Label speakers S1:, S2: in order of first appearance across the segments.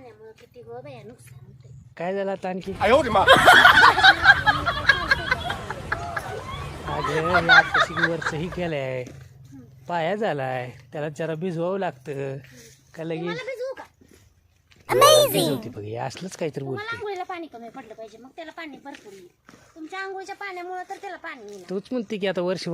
S1: पाण्यामुळे किती गो बाया नुकसान होते.
S2: काय झालं आता आणखी वरच ही केलंय पाया झालाय त्याला जरा भिजवावं लागतं का लगे
S1: मला भिजवू का?
S2: भिजवते बघ हे असलंच काहीतरी
S1: मला
S2: बोलते
S1: आंघोळीला पाणी कमी पडलं पाहिजे मग त्याला पाणी भरपूर येईल. तुमच्या आंघोळीच्या पाण्यामुळे तर त्याला पाणी येईल.
S2: तूच म्हणते की आता वर्ष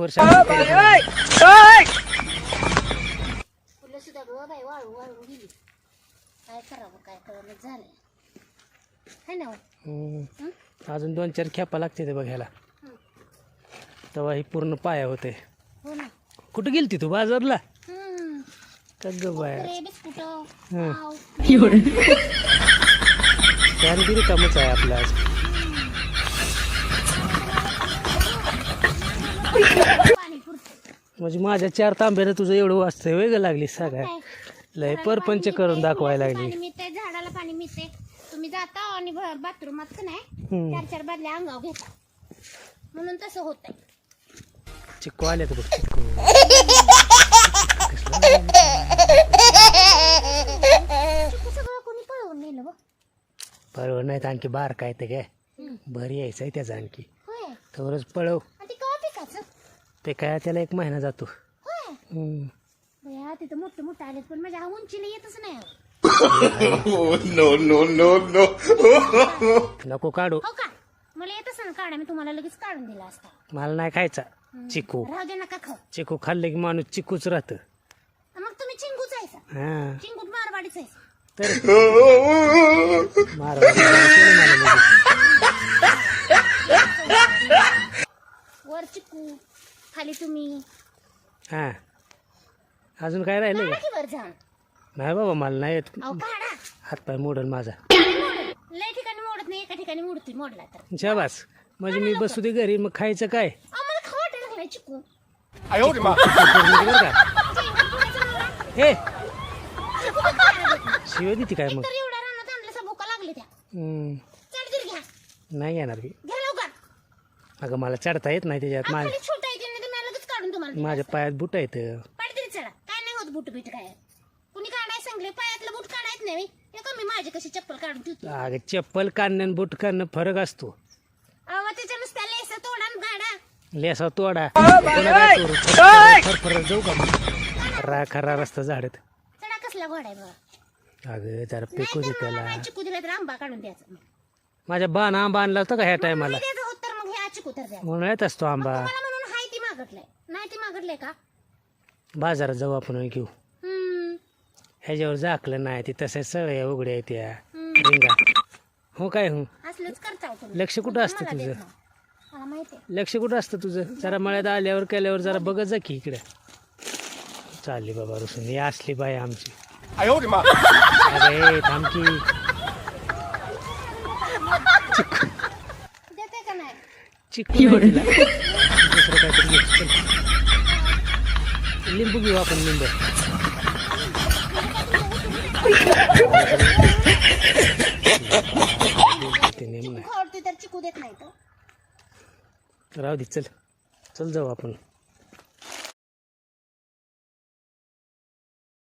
S1: फुलं सुद्धा गो बाई वाळू वाळून गेली. काय करावं काय कळलं झालंय है ना हो?
S2: अजून 2-4 खेपा लागते ते बघायला तेव्हा ही पूर्ण पाया होते.
S1: हो ना.
S2: कुठं गेलती तू बाजारला का ग बाया
S1: कुरकुरे, बिस्कुट,
S2: हं.
S1: पाव.
S2: त्याने किती कामच आहे आपलं आज.
S1: पाणी पुरतं.
S2: म्हणजे माझ्या 4 तांब्यानं तुझं एवढं वाचतंय वेगळं लागली सगळ्या लय परपंच करून दाखवायला लागली.
S1: पाणी मिळते झाडाला पाणी मिळते. तुम्ही जाता आणि बाथरूमात का नाही 4-4 बादल्या अंगावर घेता म्हणून तसं होतंय.
S2: चिक्कू आले तर बघ चिक्कू
S1: सगळं कोणी पळवून नेलं बघ.
S2: बरोबर नाही तर आणखी बार काय ते काय भर यायचंय त्याचा आणखी
S1: होय.
S2: तरच पळव
S1: आणि ते केव्हा पिकाचं
S2: ते काय त्याला 1 महिना जातो.
S1: होय. बया तिथं मोठं मोठं आलेत पण माझ्या उंचीला येतच नाही अहो.
S2: नको काढू
S1: हो का मला येतच ना काढा मी तुम्हाला लगेच काढून दिला असता.
S2: मला नाही खायचा चिकू.
S1: राहू दे नका खाऊ.
S2: चिकू खाल्ले की माणूस चिकूच राहतं.
S1: मग तुम्ही चिंगूच आहेसा.
S2: हा
S1: चिंगूट मारवाडीच आहेसा.
S2: तर
S1: वर चिकू खाली तुम्ही
S2: हा अजून काय राहिलं
S1: काढा
S2: का
S1: की वर जाऊन.
S2: नाही बाबा मला नाही येत
S1: अहो काढा.
S2: हातपाय मोडल माझा.
S1: लय ठिकाणी मोडत नाही एका ठिकाणी मोडतोय मोडला तर.
S2: शाबास म्हणजे मी बसू दे घरी मग खायचं काय
S1: आम्हाला खाऊ वाटायला लागलाय चिकू.
S2: बरं का हे शिव देते काय मग
S1: तर एवढ्या रानात आणलं भुका लागले त्या. चढ घ्या.
S2: नाही येणार मी
S1: घ्या लवकर.
S2: अगं मला चढता येत नाही त्याच्यात
S1: खाली छोटा आहे ते मी लगेच काढून तुम्हाला दिलं
S2: माझ्या
S1: असतं.
S2: पायात बुट आहेत
S1: पाडतरी चढा काय नाही होत बूट बीट काय. कुणी काढाय सांगले पायातलं बूट काढायच नाही हे कमी माझी कशी चप्पल काढून ठेवतो.
S2: अगं चप्पल काढणं आणि बूट काढणं फरक असतो.
S1: अहो त्याच्या नुसत्या लेस तोडा आणि गाडा.
S2: लेसा तोडा फरफरत जाऊ का मग खरा रस्ता झाडत.
S1: चढा कसला घोडा आहे बघा.
S2: अगं जरा पेकू दे त्याला.
S1: नाही चिकू दिला तर आंबा काढून द्यायचा.
S2: माझ्या बाण आंबा आणला होता का ह्या टायमाला
S1: नाही द्यायचं होत तर मग हे चिकू तर द्या.
S2: म्हणून येत असतो आंबा.
S1: मला म्हणून हाय ती मागटलंय नाही ती मागटलंय का.
S2: बाजारात जाऊ आपण घेऊ. ह्याच्यावर झाकलं नाही ती तसं सगळ्या उघड्या आहेत त्या रिंगा. हो काय हो
S1: असलंच करता तुम्ही.
S2: लक्ष कुठं असतं
S1: मला देत
S2: तुझं
S1: नाही. मला माहिती आहे.
S2: लक्ष कुठं असतं तुझं जरा मळ्यात आल्यावर केल्यावर जरा बघत जा की इकडे. चालली बाबा रुसून ही असली बाई आमची. अरे थांबकी
S1: देते का नाही.
S2: चिकू नाही तिला. दुसरं काहीतरी घेऊ. चल. लिंबू घेऊ आपण लिंबू. ते नेम नाही
S1: चिकू आवडते तर चिकू देत नाही तर.
S2: राहू दे चल चल जाऊ आपण.